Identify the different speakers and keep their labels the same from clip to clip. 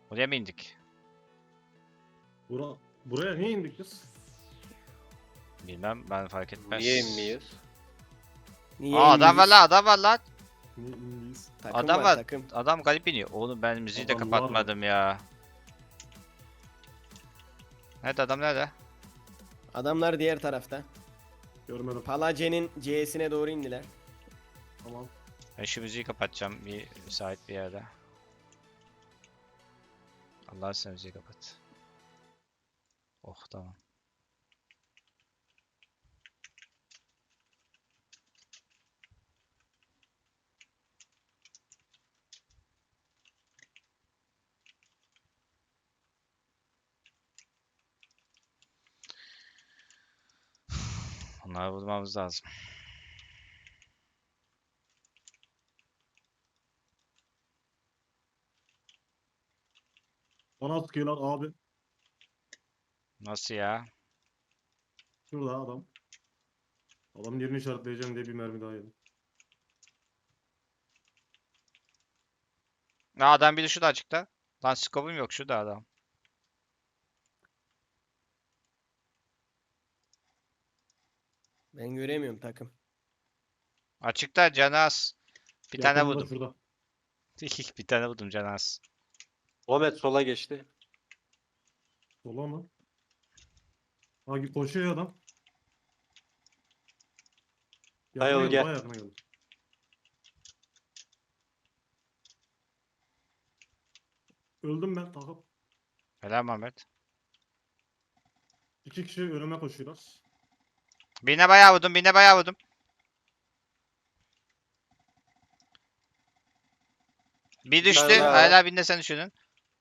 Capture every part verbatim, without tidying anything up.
Speaker 1: Oraya mı indik?
Speaker 2: Bura, buraya niye indik biz?
Speaker 1: Bilmem, ben fark etmez.
Speaker 3: Niye inmiyoruz?
Speaker 4: Niye
Speaker 1: Aa, adam var
Speaker 4: inmeyiz?
Speaker 1: lan, adam var lan.
Speaker 2: Niye indiyiz?
Speaker 4: Takım
Speaker 1: Adam
Speaker 4: var,
Speaker 1: var.
Speaker 4: takım.
Speaker 1: Adam garip iniyor. Oğlum ben müziği de
Speaker 2: Adam var mı?
Speaker 1: kapatmadım ya. Nerede adam, nerede?
Speaker 4: Adamlar diğer tarafta.
Speaker 2: Görmedim.
Speaker 4: Palace'nin C'sine doğru indiler.
Speaker 2: Tamam.
Speaker 1: Ben şu müziği kapatacağım bir müsait bir yerde. Allah sen müziği kapat. Oh, tamam. Onları bulmamız lazım.
Speaker 2: Bana sıkıyorlar abi.
Speaker 1: Nasıl ya?
Speaker 2: Şurada adam. Adamın yerini işaretleyeceğim diye bir mermi daha yedim.
Speaker 1: Aa, adam biri şurada açıkta. Lan skopum yok, şurada adam.
Speaker 4: Ben göremiyorum takım.
Speaker 1: Açıkta Canas. Bir tane
Speaker 2: Yakınında
Speaker 1: vurdum.
Speaker 2: Şurada.
Speaker 1: Bir tane vurdum Canas.
Speaker 3: Muhammed sola geçti.
Speaker 2: Sola mı? Ha koşuyor adam.
Speaker 3: Hayır,
Speaker 2: Yakına geldi,
Speaker 3: gel.
Speaker 2: bayağı yakına geldi. Öldüm ben takıp.
Speaker 1: Helal Mehmet.
Speaker 2: İki kişi önüme koşuyorlar.
Speaker 1: Birine bayağı vurdum, birine bayağı vurdum. Bir düştü.
Speaker 3: tane daha
Speaker 1: Hala birinde sen düşürdün.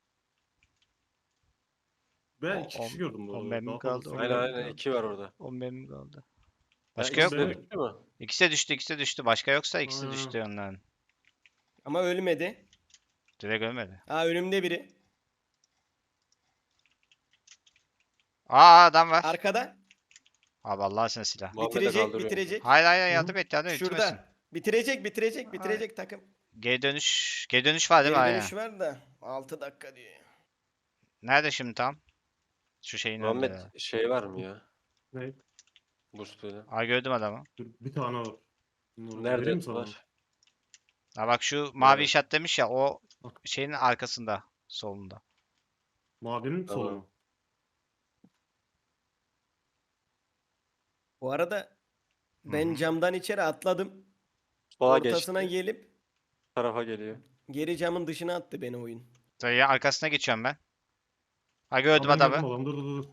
Speaker 2: Ben
Speaker 1: O-
Speaker 2: iki
Speaker 1: on-
Speaker 2: kişi gördüm bu
Speaker 1: on
Speaker 2: arada.
Speaker 1: mermi
Speaker 2: Daha
Speaker 1: kaldı,
Speaker 2: fazlası
Speaker 1: on
Speaker 3: Aynen
Speaker 2: gelmedi.
Speaker 3: aynen iki var orada.
Speaker 1: on memnun kaldı.
Speaker 2: Ya
Speaker 1: Başka yok
Speaker 2: ikisi
Speaker 1: mu?
Speaker 2: de-
Speaker 3: Düştü mü?
Speaker 1: İkisi de düştü, ikisi de düştü. Başka yoksa ikisi de
Speaker 2: Ha.
Speaker 1: düştü onların.
Speaker 4: Ama ölmedi.
Speaker 1: Direkt ölmedi.
Speaker 4: Aa, önümde biri.
Speaker 1: Aa, adam var.
Speaker 4: Arkada.
Speaker 1: Abi Allah sen silah.
Speaker 3: Muhammed'e
Speaker 4: Bitirecek,
Speaker 3: kaldırıyorum.
Speaker 4: bitirecek.
Speaker 1: Hayır hayır
Speaker 2: Hı.
Speaker 1: yardım et, yardım et. Bitirmesin.
Speaker 4: Şurada. Bitirecek, bitirecek, bitirecek takım.
Speaker 1: Geri dönüş, geri dönüş var değil mi?
Speaker 4: Geri
Speaker 1: Aynen.
Speaker 4: dönüş var da altı dakika diyor.
Speaker 1: Nerede şimdi tam? Şu şeyin önünde.
Speaker 3: Muhammed şey var mı ya?
Speaker 2: Ne?
Speaker 3: Boost böyle.
Speaker 1: Aa, gördüm adamı.
Speaker 2: Dur, bir tane var. Bunları
Speaker 3: Nerede
Speaker 2: vereyim mi sana?
Speaker 3: var?
Speaker 1: Ha bak, şu mavi
Speaker 3: Evet.
Speaker 1: işaret demiş ya, o
Speaker 2: Bak.
Speaker 1: şeyin arkasında, solunda.
Speaker 2: Mavinin
Speaker 3: Tamam.
Speaker 2: solu mu?
Speaker 4: Bu arada ben
Speaker 1: Hı hı.
Speaker 4: camdan içeri atladım.
Speaker 3: Sola
Speaker 4: Ortasına
Speaker 3: geçti.
Speaker 4: gelip
Speaker 3: Bu tarafa geliyor.
Speaker 4: geri camın dışına attı beni oyun.
Speaker 1: Dayı arkasına geçiyorum ben. Ha, gördüm
Speaker 2: Ha, ben
Speaker 1: adamı.
Speaker 2: gördüm adam. Dur dur dur.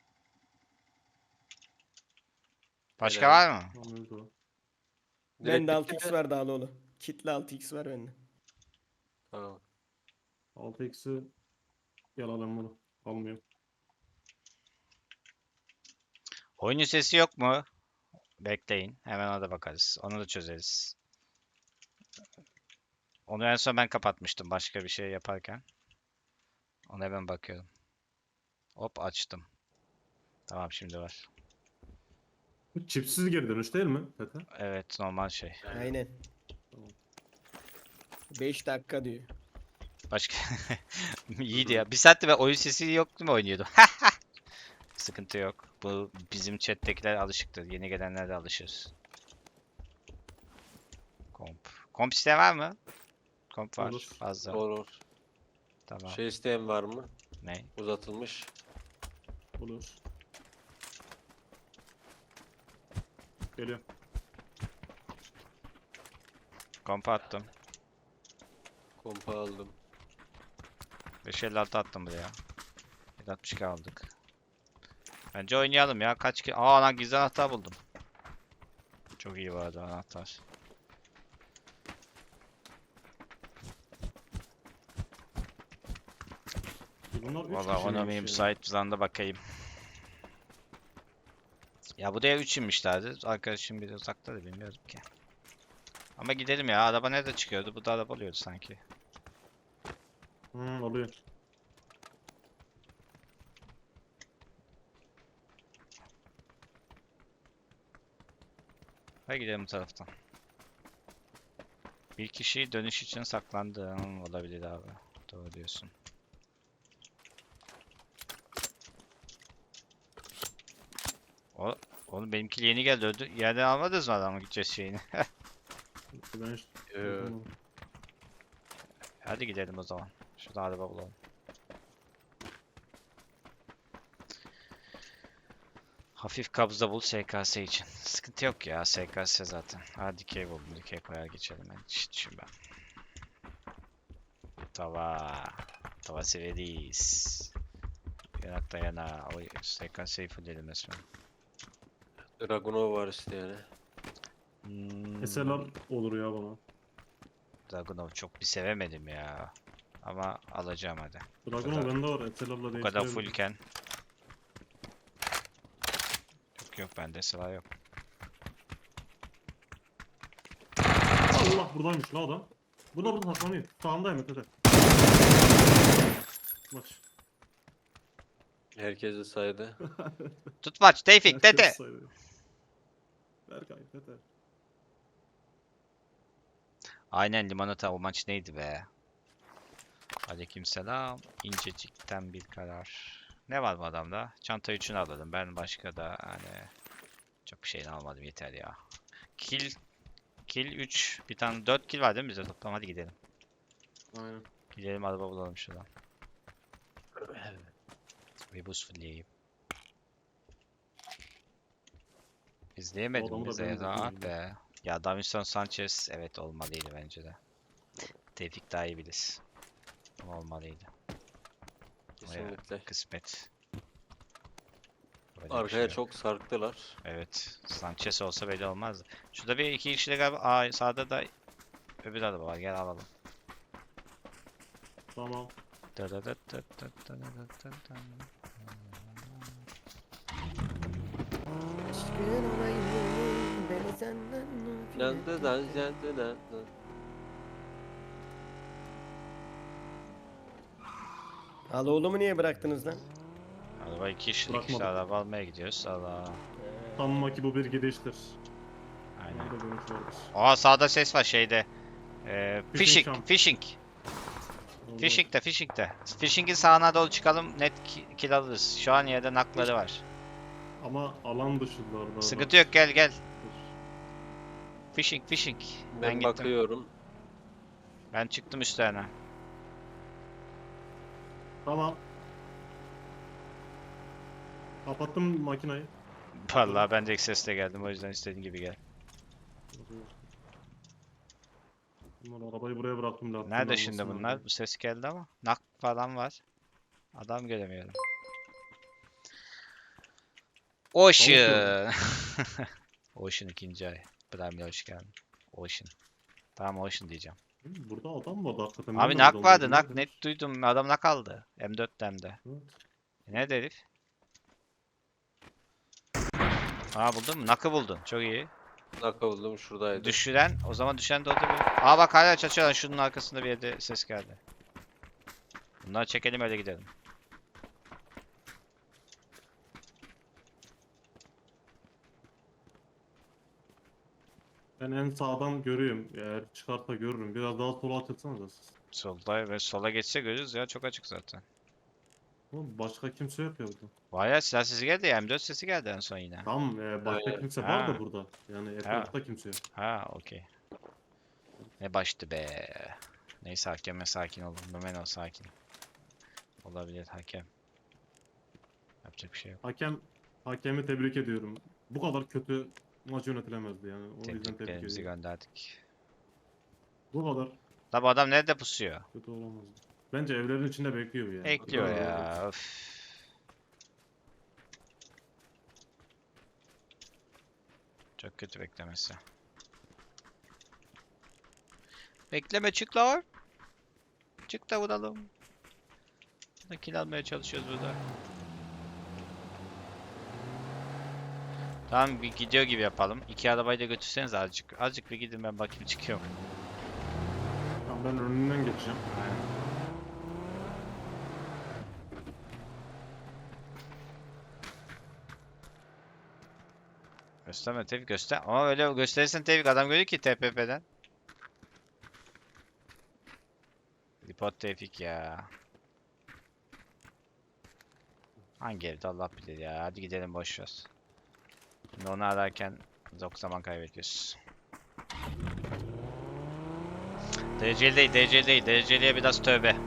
Speaker 1: Başka
Speaker 3: Helal.
Speaker 1: var mı?
Speaker 2: Tamam, öldü o.
Speaker 3: Direkt
Speaker 4: Bende
Speaker 3: bitti
Speaker 4: altı x
Speaker 3: mi?
Speaker 4: var Dağlıoğlu. Kitli altı x var bende.
Speaker 3: Tamam.
Speaker 2: altı x'i gel alalım bunu. Almıyorum.
Speaker 1: Oyunun sesi yok mu? Bekleyin. Hemen ona da bakarız. Onu da çözeriz. Onu en son ben kapatmıştım başka bir şey yaparken. Ona hemen bakıyorum. Hop, açtım. Tamam, şimdi var.
Speaker 2: Bu çipsiz geri dönüş değil mi Tete?
Speaker 1: Evet, normal şey.
Speaker 4: Aynen.
Speaker 2: Tamam.
Speaker 4: beş dakika diyor.
Speaker 1: Başka iyiydi ya. Bir saatte ve oyun sesi yok değil mi oynuyordu? Sıkıntı yok. Bu bizim chat'tekiler alışıktır. Yeni gelenler de alışır. Komp. Komp isteyen var mı? Komp var.
Speaker 2: Olur.
Speaker 1: Fazla.
Speaker 3: Olur.
Speaker 1: Tamam.
Speaker 3: Şey isteyen var mı?
Speaker 1: Ne?
Speaker 3: Uzatılmış.
Speaker 2: Olur. Geliyor.
Speaker 1: Komp attım.
Speaker 3: Kompa aldım.
Speaker 1: beş elli altı attım buraya. yedi altmış iki aldık. Bence oynayalım ya. Kaç ki? Aa lan, gizli anahtar buldum. Çok iyi vardı anahtar.
Speaker 2: Bunlar üç
Speaker 1: Valla
Speaker 2: kişiymiş
Speaker 1: ona
Speaker 2: ya.
Speaker 1: müsait bir zamanda bakayım. Ya buraya üç inmişlerdi. Arkadaşım biri uzakta da bilmiyorum ki. Ama gidelim ya. Araba nerede çıkıyordu? Bu da araba oluyordu sanki.
Speaker 2: Hı, oluyor.
Speaker 1: Hadi gidelim bu taraftan. Bir kişi dönüş için saklandı. Hmm, olabilir abi. Doğru diyorsun. O, oğlum benimki yeni geldi öldü. Yerden almadınız mı adamı gideceğiz şeyini?
Speaker 2: Ben hiç
Speaker 3: Ee,
Speaker 2: yapamadım.
Speaker 1: Hadi gidelim o zaman. Şurada araba bulalım. Hafif kabza bul S K S için. Sıkıntı yok ya S K S zaten. Ha dikey buldum. Dikey koyar geçelim. Ben hiç düşünmem. Tava. Tava severiz. Yanakta yana. O S K S'yi fullledim resmen.
Speaker 3: Dragunov var işte yani.
Speaker 1: Hmm,
Speaker 2: S L R olur ya bana.
Speaker 1: Dragunov çok bir sevemedim ya. Ama alacağım hadi.
Speaker 2: Dragunov
Speaker 1: kadar-
Speaker 2: bende var. S L R'la
Speaker 1: Bu kadar
Speaker 2: değiştirebilirim.
Speaker 1: fullken. Yok yok bende sıra yok.
Speaker 2: Allah buradaymış la adam. Burada burada saklanıyor. Sağındayım ötede. Maç.
Speaker 3: Herkesi saydı.
Speaker 1: Tutmaç, Tevfik,
Speaker 2: Herkes
Speaker 1: Tete.
Speaker 2: sayıyor. Berkay, Tete.
Speaker 1: Aynen limonata o maç neydi be? Aleykümselam. İncecikten bir karar. Ne var bu adamda? Çanta üçünü aldım. Ben başka da hani çok bir şeyini almadım yeter ya. Kill kill üç. Bir tane dört kill var değil mi bizde toplam? Hadi gidelim.
Speaker 2: Aynen.
Speaker 1: Gidelim araba bulalım şuradan. Bir buz fulleyeyim. İzleyemedim
Speaker 2: adamı da
Speaker 1: bize
Speaker 2: ben
Speaker 1: ya rahat
Speaker 2: izleyemedim.
Speaker 1: be. Ya Davinson Sanchez evet olmalıydı bence de. Tevfik daha iyi bilir. Ama olmalıydı.
Speaker 3: Kesinlikle.
Speaker 1: Kısmet. Böyle bir
Speaker 3: Arkaya
Speaker 1: şey yok.
Speaker 3: çok sarktılar.
Speaker 1: Evet. Sanchez olsa böyle olmazdı. Şurada bir iki kişi de galiba. Aa sağda da öbür araba var. Gel alalım.
Speaker 2: Tamam.
Speaker 4: Aşkın olayım beni senden
Speaker 3: Yandı da yandı da.
Speaker 4: Al oğlumu niye bıraktınız lan?
Speaker 1: Araba iki kişilik işte
Speaker 2: Bırakmadım.
Speaker 1: araba almaya gidiyoruz. Allah.
Speaker 2: Sanma ki bu bir gidiştir.
Speaker 1: Aynen.
Speaker 2: Burada dönüş vardır.
Speaker 1: Aa sağda ses var şeyde. Ee,
Speaker 2: Fishing
Speaker 1: fishing,
Speaker 2: camp.
Speaker 1: fishing.
Speaker 2: Oldu.
Speaker 1: Fishing de, fishing de. Fishing'in sağına doğru çıkalım net ki- kill alırız. Şu an yerde nakları var.
Speaker 2: Ama alan dışındalar.
Speaker 1: Sıkıntı yok gel gel. Fishing, fishing. Ben,
Speaker 3: Ben
Speaker 1: gittim.
Speaker 3: bakıyorum.
Speaker 1: Ben çıktım üstlerine.
Speaker 2: Tamam. Kapattım makinayı.
Speaker 1: Vallahi ben de sesle geldim o yüzden istediğin gibi gel.
Speaker 2: Bunlar arabayı buraya bıraktım. lastiğin
Speaker 1: Nerede şimdi
Speaker 2: almasın
Speaker 1: bunlar?
Speaker 2: abi.
Speaker 1: Bu ses geldi ama. Nak falan var. Adam göremiyorum. Ocean. Ocean ikinci ay. Prime'le hoş geldin. Ocean. Tamam Ocean diyeceğim.
Speaker 2: Hı, burada adam vardı hakikaten.
Speaker 1: Abi
Speaker 2: Nereden
Speaker 1: nak
Speaker 2: adam
Speaker 1: vardı
Speaker 2: buldu,
Speaker 1: nak
Speaker 2: neredemiş?
Speaker 1: net duydum adam nak aldı. M dörtte hem de.
Speaker 2: Evet.
Speaker 1: E nerede herif? Aa buldun mu? Nak'ı buldun. Çok iyi.
Speaker 3: Naka buldum şuradaydı.
Speaker 1: Düşüren o zaman düşen de orada bir... Aa bak hala çatışıyorlar. Şunun arkasında bir yerde ses geldi. Bunları çekelim öyle gidelim.
Speaker 2: Ben en sağdan görüyorum. Eğer çıkarsa görürüm. Biraz daha sola açılsanız siz.
Speaker 1: Solda ve sola geçse görürüz ya çok açık zaten.
Speaker 2: Oğlum başka kimse yok ya burada.
Speaker 1: Bayağı silah sesi geldi ya M dört sesi geldi en son yine.
Speaker 2: Tamam e, başka
Speaker 3: Aynen.
Speaker 2: kimse
Speaker 1: Ha.
Speaker 2: var da burada. Yani etrafta kimse yok.
Speaker 1: Ha okey. Ne baştı be. Neyse hakeme sakin olun. Memeno sakin. Olabilir hakem. Yapacak bir şey yok.
Speaker 2: Hakem hakemi tebrik ediyorum. Bu kadar kötü maç yönetilemezdi yani. O yüzden tebrik
Speaker 1: Tebriklerimizi
Speaker 2: ediyorum.
Speaker 1: gönderdik.
Speaker 2: Bu kadar
Speaker 1: La bu adam nerede pusuyor?
Speaker 2: kötü olamazdı. Bence evlerin içinde bekliyor yani.
Speaker 1: Bekliyor
Speaker 2: Daha-
Speaker 1: ya. Öf. Çok kötü beklemesi. Bekleme çık lan. Çık da vuralım. Burada kill almaya çalışıyoruz burada. Tamam bir gidiyor gibi yapalım. İki arabayı da götürseniz azıcık. Azıcık bir gidin ben bakayım çıkıyor mu?
Speaker 2: Tamam ben önünden geçeceğim.
Speaker 1: Aynen. Gösterme Tevfik göster. Ama öyle gösterirsen Tevfik adam görüyor ki T P P'den. Report Tevfik ya. Hangi evde Allah bilir ya. Hadi gidelim boş ver. Şimdi onu ararken çok zaman kaybediyoruz. Dereceli değil, dereceli değil. Dereceliye biraz tövbe.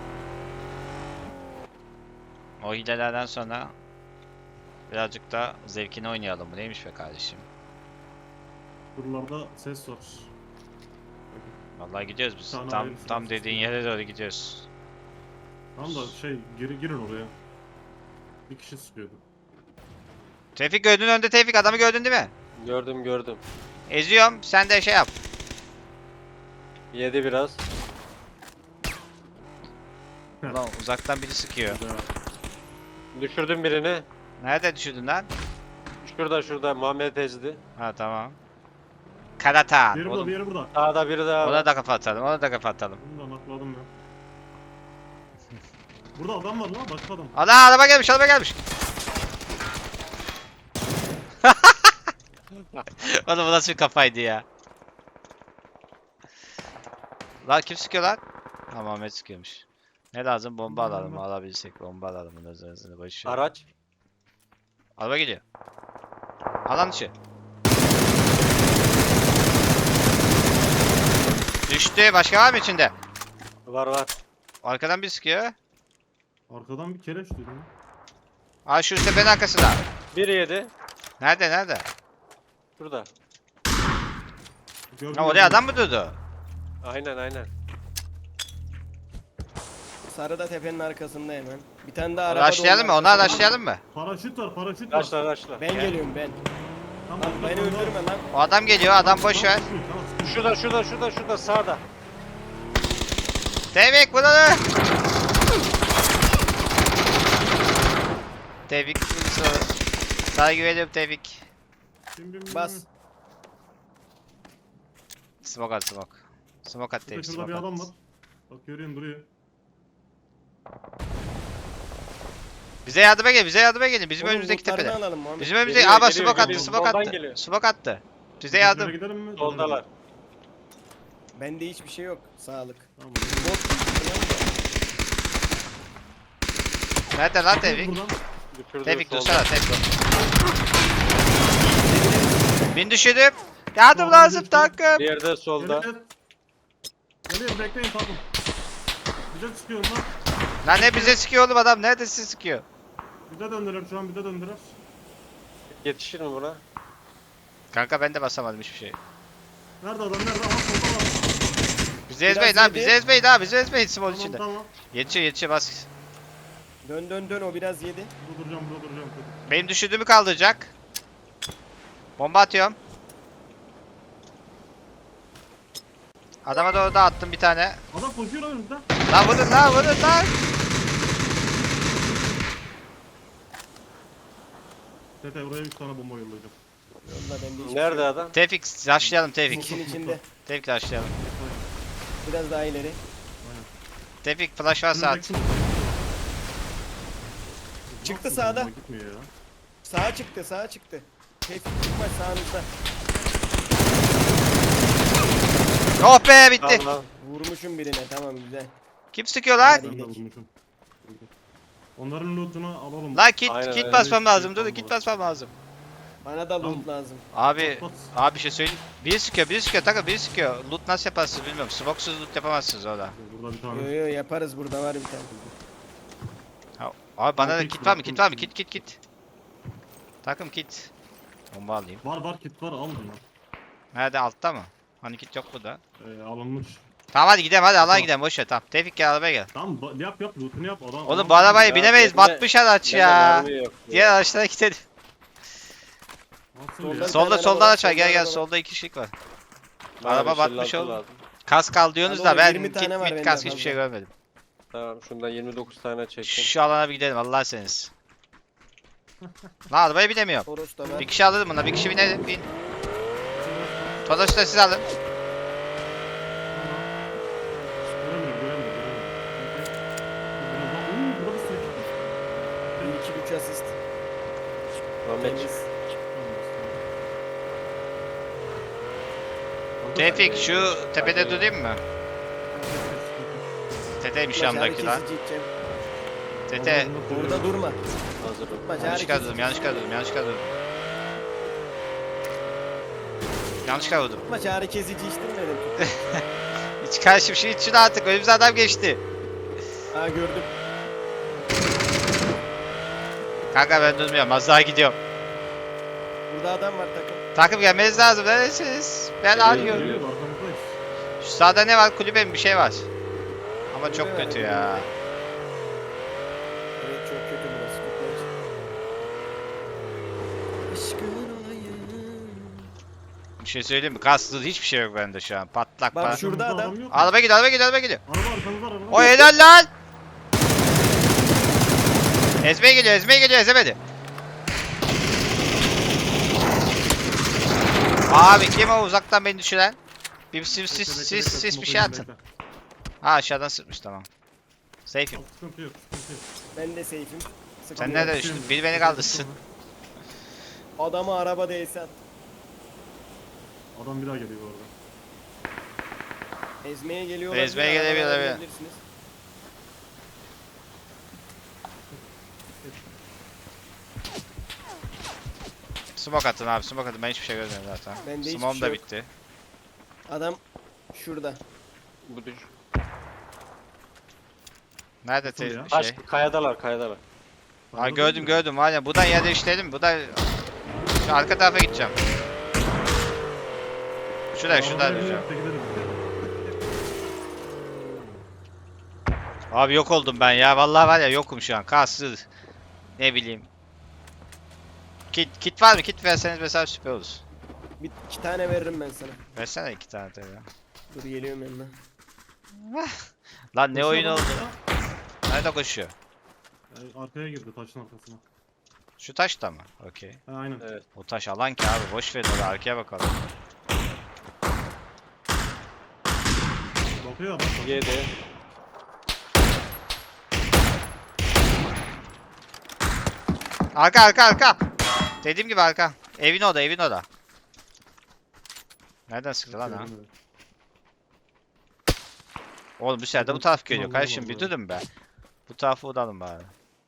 Speaker 1: O hilelerden sonra birazcık da zevkini oynayalım. Bu neymiş be kardeşim?
Speaker 2: Buralarda ses var.
Speaker 1: Vallahi gidiyoruz biz.
Speaker 2: Sana
Speaker 1: Tam
Speaker 2: hayırlısı
Speaker 1: tam
Speaker 2: olsun.
Speaker 1: dediğin yere doğru gidiyoruz.
Speaker 2: Tamam da şey geri girin oraya. Bir kişi sıkıyordu.
Speaker 1: Tevfik gördün önde Tevfik adamı gördün değil mi?
Speaker 3: Gördüm gördüm.
Speaker 1: Eziyorum sen de şey yap.
Speaker 3: Yedi biraz.
Speaker 1: Ulan uzaktan biri sıkıyor.
Speaker 2: Güzel.
Speaker 3: Düşürdüm birini.
Speaker 1: Nerede düşürdün lan?
Speaker 3: Şurada şurada Muhammed ezdi.
Speaker 1: Ha tamam. Karatan.
Speaker 2: Diğeri burada,
Speaker 1: Oğlum,
Speaker 2: diğeri burada.
Speaker 3: Sağda biri daha
Speaker 1: ona
Speaker 3: var.
Speaker 1: da kafa atalım. Ona da kafa atalım.
Speaker 2: Bunu da nakladım ya. Burada adam var lan, başka adam.
Speaker 1: Ana araba gelmiş araba gelmiş. Oğlum bu nasıl bir kafaydı ya? Lan kim sıkıyor lan? Ha Muhammed sıkıyormuş. Ne lazım? Bomba
Speaker 2: Bomba,
Speaker 1: alalım.
Speaker 2: bomba.
Speaker 1: Alabilirsek bomba alalım. Bunun üzerine boş ver.
Speaker 3: Araç.
Speaker 1: Araba geliyor. Alan dışı. Düştü. Başka var mı içinde?
Speaker 3: Var var.
Speaker 1: Arkadan bir sıkıyor.
Speaker 2: Arkadan bir kereç duydum. ya.
Speaker 1: Aa şu tepenin arkasında.
Speaker 3: Biri yedi.
Speaker 1: Nerede nerede?
Speaker 3: Şurada.
Speaker 2: Gördüm,
Speaker 1: Ha oraya
Speaker 2: gördüm.
Speaker 1: adam mı durdu?
Speaker 3: Aynen aynen.
Speaker 4: Sarı da tepenin arkasında hemen. Bir tane daha
Speaker 1: Onu
Speaker 4: araba da
Speaker 1: açlayalım mı?
Speaker 4: onun
Speaker 1: Onu
Speaker 4: arkasında.
Speaker 1: açlayalım mı?
Speaker 2: Paraşüt var, paraşüt var.
Speaker 3: Raşla raşla.
Speaker 4: Ben
Speaker 1: Gel.
Speaker 4: geliyorum ben.
Speaker 2: Tamam,
Speaker 4: Lan
Speaker 2: başka
Speaker 4: beni
Speaker 2: adam var.
Speaker 4: öldürme lan.
Speaker 1: O adam geliyor. Adam boş ver.
Speaker 2: Tamam, tamam.
Speaker 3: Şurada şurada şurada şurada sağda.
Speaker 1: Tevfik bunu da. Tevfik. Sana güveniyorum Tevfik.
Speaker 2: Bin, bin, bin,
Speaker 4: Bas.
Speaker 2: bin.
Speaker 1: Smoke at smoke. Smoke at
Speaker 2: Şurada,
Speaker 1: Tevfik
Speaker 2: şurada bir
Speaker 1: smoke
Speaker 2: adam var.
Speaker 1: at.
Speaker 2: Bak görüyorum duruyor.
Speaker 1: Bize yardıma gelin. Bize yardıma gelin. Bizim
Speaker 4: Oğlum,
Speaker 1: önümüzdeki
Speaker 4: lootlarını
Speaker 1: tepede.
Speaker 4: alalım Muhammed.
Speaker 1: Bizim önümüzdeki.
Speaker 3: Geliyor,
Speaker 1: Aa bak
Speaker 3: geliyor,
Speaker 1: smoke attı.
Speaker 3: geliyor.
Speaker 1: Smoke
Speaker 3: Soldan
Speaker 1: attı.
Speaker 3: geliyor.
Speaker 1: Smoke attı. Bize
Speaker 2: Şöyle
Speaker 1: yardım.
Speaker 2: gidelim mi?
Speaker 3: Soldalar.
Speaker 4: Bende hiçbir şey yok. Sağlık.
Speaker 2: Tamam.
Speaker 4: Bot.
Speaker 1: Nerede lan
Speaker 2: Dur
Speaker 1: Tevfik?
Speaker 2: buradan.
Speaker 3: Düşürdüm
Speaker 1: Tevfik
Speaker 3: solda.
Speaker 1: dursana Tevfik. Bin düşürdüm. Yardım
Speaker 2: Soldan
Speaker 1: lazım
Speaker 2: düştü.
Speaker 1: takım.
Speaker 3: Bir yerde solda.
Speaker 2: Evet. Geliyor, bekleyin takım. Bize çıkıyor lan.
Speaker 1: Lan ne bize sıkıyor oğlum adam. Nerede sizi sıkıyor?
Speaker 2: Bize döndüler şu an, bize döndüler.
Speaker 3: Yetişir mi buna?
Speaker 1: Kanka ben de basamadım hiçbir şey.
Speaker 2: Nerede adam, nerede? Aha solda var.
Speaker 1: Bizi
Speaker 4: Biraz
Speaker 1: ezmeyin lan.
Speaker 4: yedi.
Speaker 1: Bizi ezmeyin ha. Bizi ezmeyin small
Speaker 2: Tamam
Speaker 1: içinde.
Speaker 2: tamam.
Speaker 1: Yetişiyor yetişiyor bas.
Speaker 4: Dön dön dön o biraz yedi.
Speaker 2: Burada duracağım, burada duracağım. Dur.
Speaker 1: Benim düşürdüğümü kaldıracak. Bomba atıyorum. Adama doğru da attım bir tane.
Speaker 2: Adam koşuyor önümüzde.
Speaker 1: Lan vurun lan vurun lan.
Speaker 2: Tete buraya üç tane bomba yollayacağım.
Speaker 4: Yolla bende hiçbir
Speaker 3: Nerede
Speaker 4: şey yok.
Speaker 3: adam?
Speaker 1: Tevfik rushlayalım Tevfik.
Speaker 4: Sisin içinde.
Speaker 1: Tevfik rushlayalım.
Speaker 4: Biraz daha ileri.
Speaker 1: Tevfik flash varsa at.
Speaker 2: Önümdeki-
Speaker 4: Çıktı
Speaker 2: Nasıl
Speaker 4: sağda.
Speaker 2: bomba gitmiyor ya.
Speaker 4: Sağa çıktı sağa çıktı. Tevfik çıkma sağınızda.
Speaker 1: Oh be bitti.
Speaker 3: Tamam.
Speaker 4: Vurmuşum birine tamam güzel.
Speaker 1: Kim sıkıyor lan?
Speaker 4: Hadi
Speaker 2: Ben de
Speaker 4: gidelim.
Speaker 2: vurmuşum. Onların lootunu alalım.
Speaker 1: Lan kit
Speaker 3: Aynen,
Speaker 1: kit
Speaker 3: aynen.
Speaker 1: basmam lazım. Dur kit basmam lazım.
Speaker 4: Bana da loot
Speaker 2: Tamam.
Speaker 4: lazım.
Speaker 1: Abi
Speaker 2: Bas.
Speaker 1: abi bir şey söyleyeyim. Biri sıkıyor, biri sıkıyor. Takıl biri sıkıyor. Loot nasıl yaparsınız bilmiyorum. Smoke'suz loot yapamazsınız orada.
Speaker 2: Burada bir
Speaker 4: Yo
Speaker 2: tane.
Speaker 4: yo yaparız burada var bir tane.
Speaker 1: Ha, abi bana da
Speaker 2: Takım
Speaker 1: kit var mı?
Speaker 2: takım.
Speaker 1: Kit var mı? Kit kit kit. Takım kit. Bomba alayım.
Speaker 2: Var var kit var, al bunu.
Speaker 1: Nerede altta mı? Hani kit yok burada.
Speaker 2: Ee, alınmış.
Speaker 1: Tamam hadi gidelim hadi Allah'a
Speaker 2: Tamam.
Speaker 1: gidelim boş ver tamam. Tevfik gel arabaya gel.
Speaker 2: Tamam ba- yap yap lootunu yap. Adam,
Speaker 1: Oğlum
Speaker 2: adam-
Speaker 1: bu arabayı
Speaker 3: Ya,
Speaker 1: binemeyiz.
Speaker 3: bende-
Speaker 1: Batmış araç
Speaker 3: Bende
Speaker 1: ya.
Speaker 3: mermi yok.
Speaker 1: Diğer araçlara gidelim.
Speaker 2: Nasıl
Speaker 4: Soldan-
Speaker 2: ya?
Speaker 1: Solda
Speaker 4: tane
Speaker 1: solda
Speaker 4: araba var,
Speaker 1: araç var. Gel
Speaker 4: solda
Speaker 1: gel
Speaker 4: araba var.
Speaker 1: solda iki kişilik var.
Speaker 3: Bana
Speaker 1: Araba
Speaker 3: bir şey
Speaker 1: batmış
Speaker 3: lazım.
Speaker 1: oğlum. Kask al diyorsunuz da
Speaker 4: Abi
Speaker 1: ben
Speaker 4: oğlum, yirmi
Speaker 1: kit
Speaker 4: tane var
Speaker 1: mit
Speaker 4: bende
Speaker 1: kask hiçbir
Speaker 4: fazla.
Speaker 1: şey görmedim.
Speaker 3: Tamam şundan yirmi dokuz tane çektim.
Speaker 1: Şu alana bir gidelim Allah seniz. Lan arabaya binemiyorum.
Speaker 4: Toros da var.
Speaker 1: Bir kişi alırım buna bir kişi binelim bin. Todoş'u da siz alın.
Speaker 2: Göremiyorum, göremiyorum, göremiyorum. Uuu, burada bir sürü kit var.
Speaker 4: Bir iki üç asist.
Speaker 3: Muhammed
Speaker 4: Temiz.
Speaker 1: Tevfik şu tepede durayım mı? Teteymiş
Speaker 4: Macari
Speaker 1: yanımdaki lan.
Speaker 4: kesici içeceğim.
Speaker 1: Tete.
Speaker 4: Orada durma.
Speaker 3: hazırım.
Speaker 4: Macari
Speaker 1: Yanlış
Speaker 4: kesici.
Speaker 1: kadroum yanlış kadroum yanlış kadroum. Yanlışlıkla vurdum.
Speaker 4: Maç ağrı kesici içtirmedim.
Speaker 1: Hiç karşı bir şey için artık. Önümüze adam geçti.
Speaker 4: Ha gördüm.
Speaker 1: Kanka ben durmuyorum. Az daha gidiyorum.
Speaker 4: Burada adam var takım.
Speaker 1: Takım gelmeniz lazım. Neredesiniz? Ben arıyorum.
Speaker 2: Geliyor arkamızdayız.
Speaker 1: Şu sağda ne var? Kulübe mi? Bir şey var. Ama çok
Speaker 4: Kulübe var,
Speaker 1: kötü
Speaker 4: kulübe.
Speaker 1: ya.
Speaker 4: Evet çok kötü burası. Çok kötü. Aşkın olayım.
Speaker 1: Bir şey söyleyeyim mi? Kaslı hiçbir şey yok bende şu an. Patlak
Speaker 4: Bak
Speaker 1: pat.
Speaker 4: şurada
Speaker 2: Arkamızda
Speaker 4: adam.
Speaker 2: yok mu?
Speaker 1: Araba gidiyor, araba gidiyor, araba gidiyor.
Speaker 2: Araba arkamızda araba.
Speaker 1: O helal lan! Ezmeye geliyor, ezmeye geliyor, ezemedi. Abi kim o uzaktan beni düşüren? Bir sis sis
Speaker 2: Bekle, bekle,
Speaker 1: sis
Speaker 2: bekle,
Speaker 1: sis bir
Speaker 2: smoke'u
Speaker 1: şey
Speaker 2: yiyeyim,
Speaker 1: atın.
Speaker 2: bekle.
Speaker 1: Ha aşağıdan sıkmış tamam. Safe'im.
Speaker 2: Yok, sıkıntı yok, sıkıntı yok.
Speaker 4: Ben de safe'im.
Speaker 1: Sen
Speaker 4: Sıkıntı
Speaker 1: nerede
Speaker 4: yok.
Speaker 1: düştün? Biri beni kaldırsın.
Speaker 4: Adamı araba değse at.
Speaker 2: Adam bir daha geliyor bu arada.
Speaker 4: Ezmeye geliyorlar.
Speaker 1: Ezmeye
Speaker 4: diye
Speaker 1: gelebilir,
Speaker 4: arabalara
Speaker 1: evet.
Speaker 4: binebilirsiniz.
Speaker 1: Smoke atın abi, smoke atın. Ben hiçbir şey görmüyorum zaten.
Speaker 4: Bende hiçbir
Speaker 1: Smoke'um
Speaker 4: şey
Speaker 1: da
Speaker 4: yok.
Speaker 1: bitti.
Speaker 4: Adam şurada.
Speaker 3: Bu düş.
Speaker 1: Nerede te
Speaker 2: Nasıl ya?
Speaker 3: Taş,
Speaker 1: şey?
Speaker 3: kayadalar kayadalar.
Speaker 1: Ha gördüm gördüm var ya. Buradan yer değiştirelim. Buradan şu arka tarafa gideceğim. Şuraya şuradan diyeceğim. Abi yok oldum ben ya. Vallahi var ya yokum şu an. Kassız. Ne bileyim. Kit, kit var mı? Kit verseniz mesela süper olur.
Speaker 4: Bir iki tane veririm ben sana.
Speaker 1: Versene iki tane tabii.
Speaker 4: Dur geliyorum yanına.
Speaker 1: Lan ne oyun oldu? Nerede koşuyor?
Speaker 2: Arkaya girdi taşın arkasına.
Speaker 1: Şu taşta mı? Okey.
Speaker 2: Ha aynen.
Speaker 3: Evet.
Speaker 1: O taş alan ki abi. Boş verin oraya arkaya bakalım.
Speaker 2: Bakıyor adam.
Speaker 3: Yedi.
Speaker 1: Arka arka arka. Dediğim gibi arka. Evin oda evin oda. Nereden sıktı lan ha? Oğlum bu sefer de bu taraf geliyor.
Speaker 2: Allah
Speaker 1: Kardeşim bir
Speaker 2: Allah.
Speaker 1: durun be. Bu tarafı vuralım bari.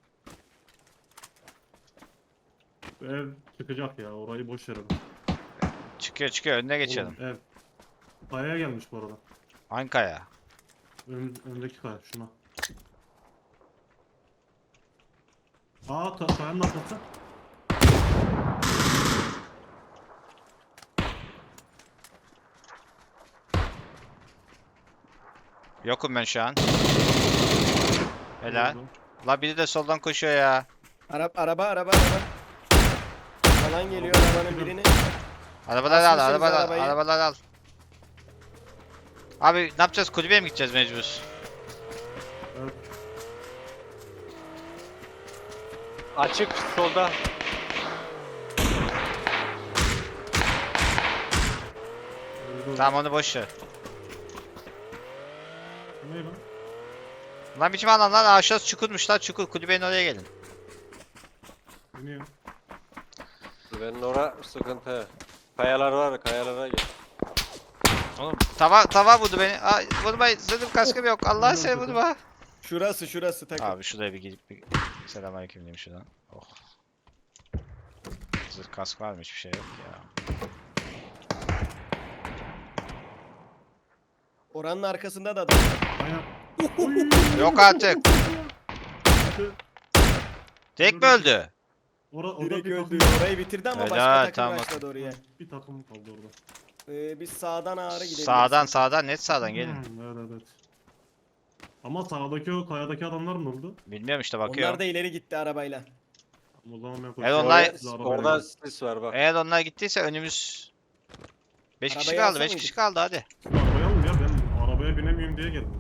Speaker 2: Ev çıkacak ya, orayı boş verelim.
Speaker 1: Çıkıyor çıkıyor önüne geçelim.
Speaker 2: Oğlum, ev. Kayaya gelmiş bu arada.
Speaker 1: Hangi kaya?
Speaker 2: Ön, öndeki kaya şuna. Aa ta, kayanın arkası.
Speaker 1: Yokum ben şu an. Helal.
Speaker 2: Oldu.
Speaker 1: La biri de soldan koşuyor ya.
Speaker 4: Araba araba araba araba. Falan geliyor arabanın birini.
Speaker 1: Arabaları al,
Speaker 4: Asmışsınız
Speaker 1: arabaları al,
Speaker 4: arabayı.
Speaker 1: arabaları al. Abi ne yapacağız? Kulübeye mi gideceğiz mecbur?
Speaker 2: Evet.
Speaker 3: Açık solda.
Speaker 2: Öldü.
Speaker 1: Tamam onu boş ver.
Speaker 2: Bu ne lan?
Speaker 1: Lan biçim alan lan aşağısı çukurmuş lan çukur. Kulübenin oraya gelin.
Speaker 2: Biniyor.
Speaker 3: Benim ora sıkıntı. Kayalar var, kayalara gel.
Speaker 1: Oğlum tava tava vurdu beni. Ay vurmayın. Zırhım kaskım yok. Allah'ın seni vurma.
Speaker 4: Şurası şurası takım.
Speaker 1: Abi şuraya bir gidip bir selamünaleyküm diyeyim şuradan. Oh. Zırh kask var mı? Hiçbir şey yok ya.
Speaker 4: Oranın arkasında da adam.
Speaker 2: Aynen.
Speaker 1: Yok artık. Tek mi öldü?
Speaker 2: Ora, orada
Speaker 4: Direkt
Speaker 2: bir
Speaker 4: öldü.
Speaker 2: takım,
Speaker 4: Orayı bitirdi ama
Speaker 1: Helal,
Speaker 4: başka takım
Speaker 1: tamam.
Speaker 4: başladı oraya.
Speaker 2: bir takım kaldı orada.
Speaker 4: Ee, biz sağdan ağrı gidebiliriz.
Speaker 1: Sağdan sağdan net sağdan gelin.
Speaker 2: Hmm, evet evet. Ama sağdaki o kayadaki adamlar ne oldu?
Speaker 1: Bilmiyorum işte
Speaker 4: Onlar
Speaker 1: bakıyorum.
Speaker 4: da ileri gitti arabayla.
Speaker 2: O zaman ben
Speaker 1: Evet,
Speaker 2: koşuyorum.
Speaker 1: onlar-
Speaker 2: Siz arabaya
Speaker 3: Orada
Speaker 2: gidin.
Speaker 3: sis var bak.
Speaker 1: Eğer onlar gittiyse önümüz beş kişi
Speaker 4: Arabayı
Speaker 1: kaldı.
Speaker 4: alsa
Speaker 1: beş
Speaker 4: mıydık?
Speaker 1: kişi kaldı hadi.
Speaker 2: Siz arabaya alın ya, ben arabaya binemiyorum diye geldim.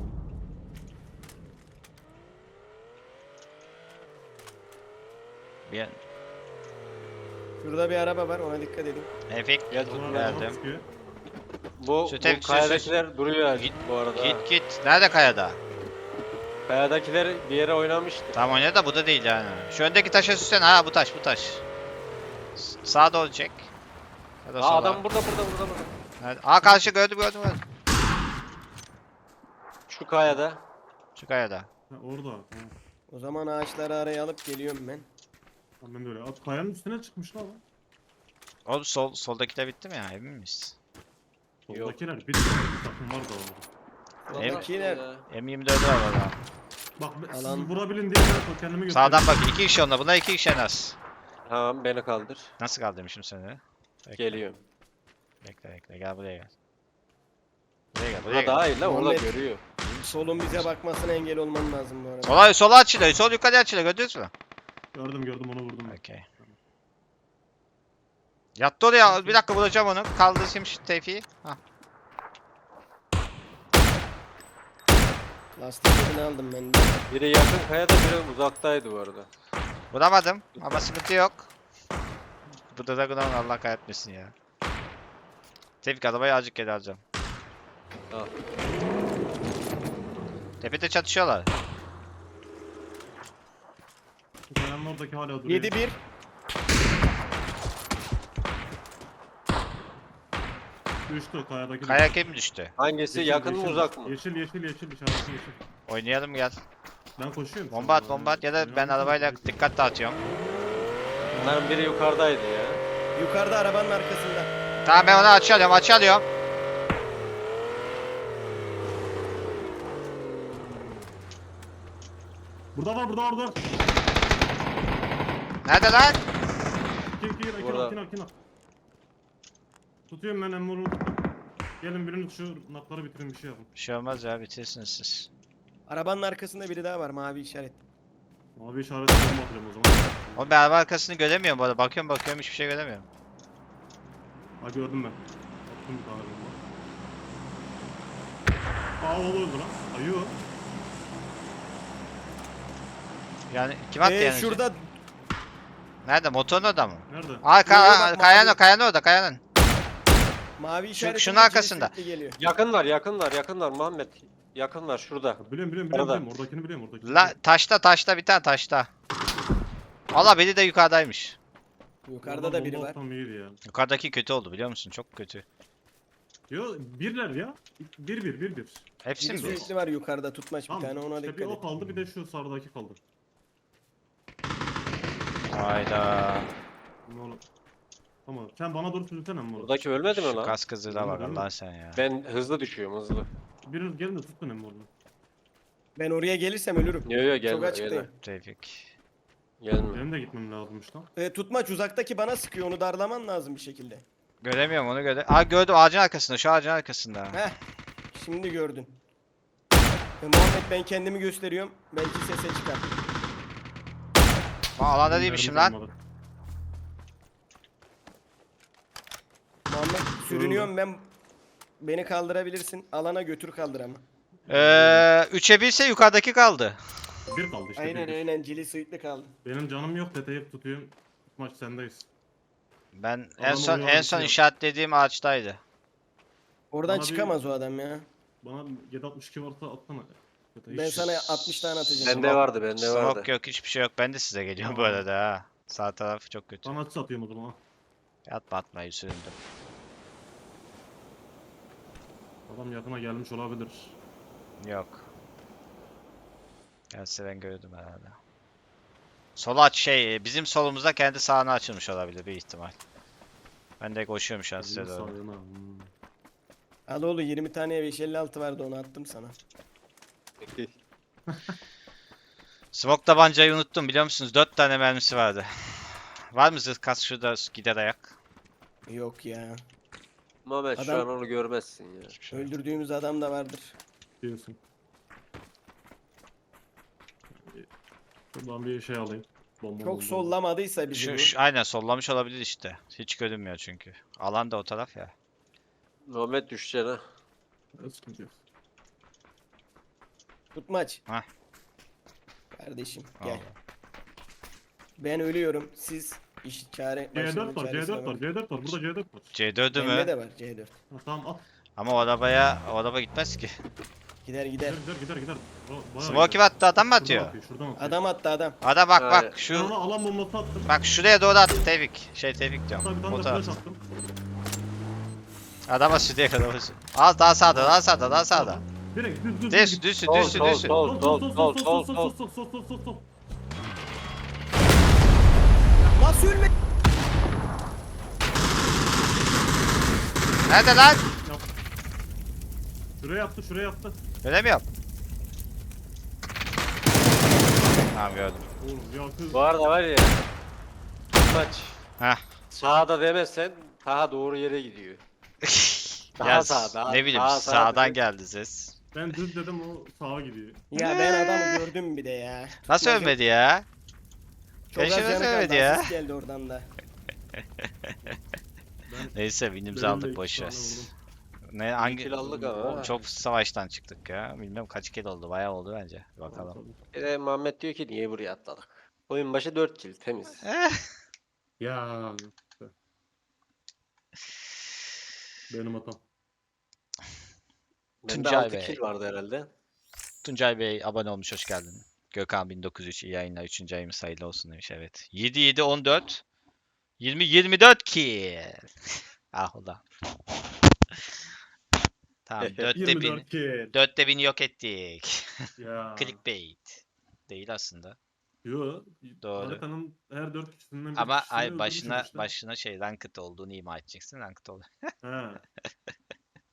Speaker 1: Bir
Speaker 4: Şurada bir araba var ona dikkat edin.
Speaker 1: efekt
Speaker 3: Gel
Speaker 2: Onlar
Speaker 3: tut.
Speaker 2: arabaya
Speaker 1: verdim.
Speaker 2: sıkıyor.
Speaker 3: Bu,
Speaker 1: Şu
Speaker 3: bu
Speaker 1: tek- şu-
Speaker 3: kayadakiler duruyor
Speaker 1: Git-
Speaker 3: bu arada.
Speaker 1: Git git. Nerede kayada?
Speaker 3: Kayadakiler bir yere oynamıştı.
Speaker 1: Tamam oynadı da bu da değil yani. Şu öndeki taşa süslen. Ha bu taş bu taş. S- Sağa doğru çek. Ya da
Speaker 3: Aa
Speaker 1: sola.
Speaker 3: adam burada burada burada burada.
Speaker 1: Nerede? Aa karşı gördüm gördüm gördüm.
Speaker 3: Şu kayada.
Speaker 1: Şu kayada.
Speaker 2: Ha, orada. Tamam.
Speaker 4: O zaman ağaçları araya alıp geliyorum ben.
Speaker 2: Tamam, ben de öyle. At kayanın üstüne çıkmış lan.
Speaker 1: Oğlum sol soldaki de bitti mi ya emin miyiz?
Speaker 2: Soldakiler bir bir takım var da orada.
Speaker 1: Ev-
Speaker 4: Soldakiler.
Speaker 3: Ya.
Speaker 1: M yirmi dört var orada.
Speaker 2: Bak ben- siz
Speaker 4: Alan-
Speaker 2: vurabilin diye ben kendimi göstereyim.
Speaker 1: Sağdan bak iki kişi onda. Buna iki kişi en az.
Speaker 3: Tamam beni kaldır.
Speaker 1: Nasıl kaldırmışım seni? Bekle,
Speaker 3: Geliyorum.
Speaker 1: Bekle bekle gel buraya gel. Buraya gel buraya
Speaker 3: Ha
Speaker 1: gel.
Speaker 3: daha iyi lan orada
Speaker 4: Muhammed.
Speaker 3: görüyor.
Speaker 4: Solun bize bakmasına engel olman lazım bu arada.
Speaker 1: Sola, sola açılıyor. Sol yukarı açılıyor. Gördünüz mü?
Speaker 2: Gördüm gördüm onu vurdum. ben.
Speaker 1: Okey. Yattı oraya. Bir dakika bulacağım onu. Kaldırayım şu Tevfik'i. Hah.
Speaker 4: Lastiklerini aldım ben de.
Speaker 3: Biri yakın kayada biri uzaktaydı bu arada.
Speaker 1: Bulamadım ama sıkıntı yok. Bu da Dragon'un Allah kahretmesin ya. Tevfik arabayı azıcık geri alacağım.
Speaker 3: Al.
Speaker 1: Tepede çatışıyorlar.
Speaker 2: Bu kayanın oradaki hala duruyor.
Speaker 4: yedi bir.
Speaker 2: Düştü kayadaki.
Speaker 1: Kaya kim düştü?
Speaker 3: Hangisi
Speaker 2: Yeşil,
Speaker 3: yakın mı
Speaker 2: yeşil,
Speaker 3: uzak mı?
Speaker 2: Yeşil yeşil yeşil işareti yeşil.
Speaker 1: Oynayalım gel.
Speaker 2: Ben koşuyorum.
Speaker 1: Bomba at bomba at ya da ben arabayla dikkat dağıtıyorum.
Speaker 3: Bunların biri yukarıdaydı ya.
Speaker 4: Yukarıda arabanın arkasında.
Speaker 1: Tamam ben onu açıyorum açıyorum.
Speaker 2: Burada var burada var burada.
Speaker 1: Nerede lan?
Speaker 2: Kim kim kim
Speaker 3: Burada.
Speaker 2: kim kim Tutuyorum ben emmurunu tuttum. Gelin birini şu nakları bitirin bir şey yapın.
Speaker 1: Bir şey olmaz ya bitirirsiniz siz.
Speaker 4: Arabanın arkasında biri daha var mavi işaret.
Speaker 2: Abi işareti bomba atıyorum o zaman.
Speaker 1: Oğlum ben araba arkasını göremiyorum bu arada. Bakıyorum bakıyorum hiçbir şey göremiyorum.
Speaker 2: Ha gördüm ben. Attım bir tane bomba. Aa oğlu öldü lan. Ayı o.
Speaker 1: Yani kim attı
Speaker 4: Ee,
Speaker 1: yani?
Speaker 4: şurada
Speaker 1: Nerede? Motorun orada mı?
Speaker 2: Nerede?
Speaker 1: Aa
Speaker 4: Yo,
Speaker 1: ka
Speaker 4: bak,
Speaker 1: kayanın
Speaker 4: mavi.
Speaker 1: kayanın orada kayanın.
Speaker 4: mavi işaret.
Speaker 1: şunun arkasında.
Speaker 4: Geliyor.
Speaker 3: Yakınlar yakınlar yakınlar Muhammed. Yakınlar şurada.
Speaker 2: Biliyorum biliyorum biliyorum.
Speaker 3: Arada.
Speaker 2: biliyorum. Oradakini biliyorum oradakini.
Speaker 1: La taşta taşta bir tane taşta. Allah biri de yukarıdaymış.
Speaker 4: Yukarıda da biri var.
Speaker 2: Tam iyiydi ya.
Speaker 1: Yukarıdaki kötü oldu biliyor musun? Çok kötü.
Speaker 2: Yo birler ya. Bir bir bir bir.
Speaker 1: Hepsi
Speaker 4: Biri
Speaker 1: mi? bir?
Speaker 4: sürekli var yukarıda tutmaç bir
Speaker 2: Tamam.
Speaker 4: tane ona
Speaker 2: işte
Speaker 4: dikkat
Speaker 2: bir o
Speaker 4: et.
Speaker 2: kaldı bir de şu sağdaki kaldı.
Speaker 1: Hayda.
Speaker 2: Ne oğlum? Tamam. Sen bana doğru sürünsene mi oğlum?
Speaker 3: Buradaki ölmedi mi
Speaker 1: Şu
Speaker 3: lan?
Speaker 1: kas kızıyla bak
Speaker 2: Ölmedi mi?
Speaker 1: Allah sen ya.
Speaker 3: Ben hızlı düşüyorum hızlı.
Speaker 2: Biriniz gelin de tutun emmi oğlum.
Speaker 4: Ben oraya gelirsem ölürüm.
Speaker 3: Yo yo
Speaker 4: Çok
Speaker 3: gelme
Speaker 4: açıktayım.
Speaker 3: gelme.
Speaker 1: Tevfik.
Speaker 3: Gelme.
Speaker 2: Benim de gitmem lazımmış lan.
Speaker 4: Ee, tutmaç uzaktaki bana sıkıyor onu darlaman lazım bir şekilde.
Speaker 1: Göremiyorum onu göre. Aa gördüm ağacın arkasında şu ağacın arkasında.
Speaker 4: Heh. Şimdi gördün. Ee, Muhammed ben kendimi gösteriyorum. Belki sese çıkar.
Speaker 1: Aa alanda
Speaker 2: Benim
Speaker 1: değilmişim
Speaker 2: mermi
Speaker 1: lan.
Speaker 2: kalmadı.
Speaker 4: Muhammed sürünüyorum ben. Beni kaldırabilirsin. Alana götür kaldır ama.
Speaker 1: Ee, üçe birse yukarıdaki kaldı.
Speaker 2: Bir kaldı işte.
Speaker 4: Aynen
Speaker 2: bir, bir.
Speaker 4: aynen cili suitli kaldı.
Speaker 2: Benim canım yok detayıp tutuyorum. Maç sendeyiz.
Speaker 1: Ben en
Speaker 2: Adamı
Speaker 1: son en
Speaker 2: uyarmışsın
Speaker 1: son
Speaker 2: ya.
Speaker 1: işaretlediğim ağaçtaydı.
Speaker 4: Oradan
Speaker 2: Bana bir-
Speaker 4: çıkamaz o adam ya.
Speaker 2: Bana yedi altmış iki varsa atsana. Detayı.
Speaker 4: Ben sana altmış tane atacağım.
Speaker 3: Bende vardı bende vardı.
Speaker 1: Smoke yok hiçbir şey yok. Ben de size geliyorum bu
Speaker 2: Aa.
Speaker 1: arada ha. Sağ taraf çok kötü.
Speaker 2: Sana atış atıyorum o zaman. ha.
Speaker 1: Atma atma süründüm.
Speaker 2: Adam yakına gelmiş olabilir.
Speaker 1: Yok. Gelse ben gördüm herhalde. Sola aç şey bizim solumuzda kendi sağına açılmış olabilir bir ihtimal. Ben de koşuyorum şu an size
Speaker 2: Bizim
Speaker 1: doğru.
Speaker 2: sağına, hmm.
Speaker 4: Al oğlum yirmi tane beş elli altı vardı onu attım sana.
Speaker 1: Smoke tabancayı unuttum biliyor musunuz? dört tane mermisi vardı. Var mı zırh kas şurada gider ayak?
Speaker 4: Yok ya.
Speaker 3: Muhammed şu
Speaker 4: Adam-
Speaker 3: an onu görmezsin ya.
Speaker 1: Hiçbir şey yok.
Speaker 4: Öldürdüğümüz adam da vardır.
Speaker 2: Diyorsun. Buradan bir şey alayım. Bomba
Speaker 4: Çok
Speaker 2: bomba.
Speaker 4: sollamadıysa bizi
Speaker 1: Şu,
Speaker 4: bu.
Speaker 1: şu- aynen sollamış olabilir işte. Hiç görünmüyor çünkü. Alan da o taraf ya.
Speaker 3: Muhammed düşeceksin ha.
Speaker 2: Evet, sıkıntı yok.
Speaker 4: Tutmaç.
Speaker 1: Hah.
Speaker 4: Kardeşim gel.
Speaker 1: Allah.
Speaker 4: Ben ölüyorum. Siz iş çare
Speaker 2: C
Speaker 4: başının
Speaker 2: dört var, C
Speaker 4: çaresine
Speaker 2: dört var,
Speaker 4: bakın.
Speaker 2: C dört var. Burada C dört var.
Speaker 1: C dördü
Speaker 4: Bende
Speaker 1: mü?
Speaker 4: de var C dört.
Speaker 2: Ha, tamam at.
Speaker 1: Ama o arabaya o araba gitmez ki.
Speaker 4: Gider gider.
Speaker 2: Gider gider gider gider. Ba- bayağı
Speaker 1: Smoke
Speaker 2: gider.
Speaker 1: attı adam mı
Speaker 2: Şuradan
Speaker 1: atıyor?
Speaker 2: atıyor, şuradan atıyor.
Speaker 4: Adam attı adam.
Speaker 1: Ada bak
Speaker 3: Hayır.
Speaker 1: bak
Speaker 2: Ben
Speaker 1: şu
Speaker 2: ona alan bombası attım.
Speaker 1: bak şuraya doğru attı Tevfik. Şey Tevfik
Speaker 2: Hatta
Speaker 1: diyorum.
Speaker 2: bir tane
Speaker 1: O
Speaker 2: de
Speaker 1: taraf.
Speaker 2: flash attım.
Speaker 1: Adama stüdyoya kadar olsun. Az daha sağda daha sağda daha sağda.
Speaker 2: Direkt düz düz.
Speaker 1: Düz
Speaker 2: git.
Speaker 1: düz
Speaker 3: Sol,
Speaker 1: düz
Speaker 3: sol,
Speaker 1: düz.
Speaker 3: sol.
Speaker 2: Sol sol sol sol sol
Speaker 3: sol,
Speaker 2: sol sol sol sol sol sol.
Speaker 4: Nasıl ölme?
Speaker 1: Nerede lan?
Speaker 2: Yap. Şuraya yaptı, şuraya yaptı.
Speaker 1: Öyle mi yap? Tamam gördüm.
Speaker 2: Oğlum ya kız.
Speaker 3: Bu arada var ya. Maç.
Speaker 1: Heh.
Speaker 3: Sağda demezsen daha doğru yere gidiyor. Daha
Speaker 1: Ya
Speaker 3: sağ, daha-
Speaker 1: ne bileyim
Speaker 3: daha sağ
Speaker 1: sağdan
Speaker 3: dedi.
Speaker 1: geldi ses.
Speaker 2: Ben düz dedim o sağa gidiyor.
Speaker 4: Ya ben adamı gördüm bir de ya.
Speaker 1: Nasıl
Speaker 4: Tutmacım.
Speaker 1: ölmedi ya?
Speaker 4: Çok az
Speaker 1: Keşke
Speaker 4: canı
Speaker 1: ölmedi
Speaker 4: kaldı.
Speaker 1: ya.
Speaker 4: Asist geldi oradan da.
Speaker 2: Ben
Speaker 1: Neyse winimizi
Speaker 2: benim de
Speaker 1: aldık
Speaker 2: iki
Speaker 1: boş ver.
Speaker 2: tane vurdum.
Speaker 1: Ne hangi
Speaker 3: kill aldık ama.
Speaker 1: çok savaştan çıktık ya. Bilmem kaç kill oldu. Bayağı oldu bence. Bakalım.
Speaker 2: Tabii.
Speaker 3: Bir de Muhammed diyor ki niye buraya atladık? Oyun başı dört kill temiz.
Speaker 1: Eh,
Speaker 2: Ya. Benim hatam.
Speaker 3: Bende
Speaker 1: Tuncay
Speaker 3: altı
Speaker 1: Bey.
Speaker 3: kill vardı herhalde.
Speaker 1: Tuncay Bey abone olmuş, hoş geldin. Gökhan bin dokuz yüz üç iyi yayınlar. üçüncü ayımız hayırlı olsun demiş, evet. yedi yedi on dört. yirmi yirmi dört kill. Ah ulan. Tamam dörtte
Speaker 2: yirmi
Speaker 1: bin.
Speaker 2: dört kill.
Speaker 1: Dörtte bini yok ettik.
Speaker 2: Ya.
Speaker 1: Clickbait. Değil aslında.
Speaker 2: Yo.
Speaker 1: Doğru.
Speaker 2: Haritanın her dört kişisinden bir
Speaker 1: Ama
Speaker 2: kişisini
Speaker 1: ay
Speaker 2: öldürmüşüm
Speaker 1: başına
Speaker 2: işte.
Speaker 1: başına şey ranked olduğunu ima edeceksin. Ranked ol.
Speaker 2: Ha.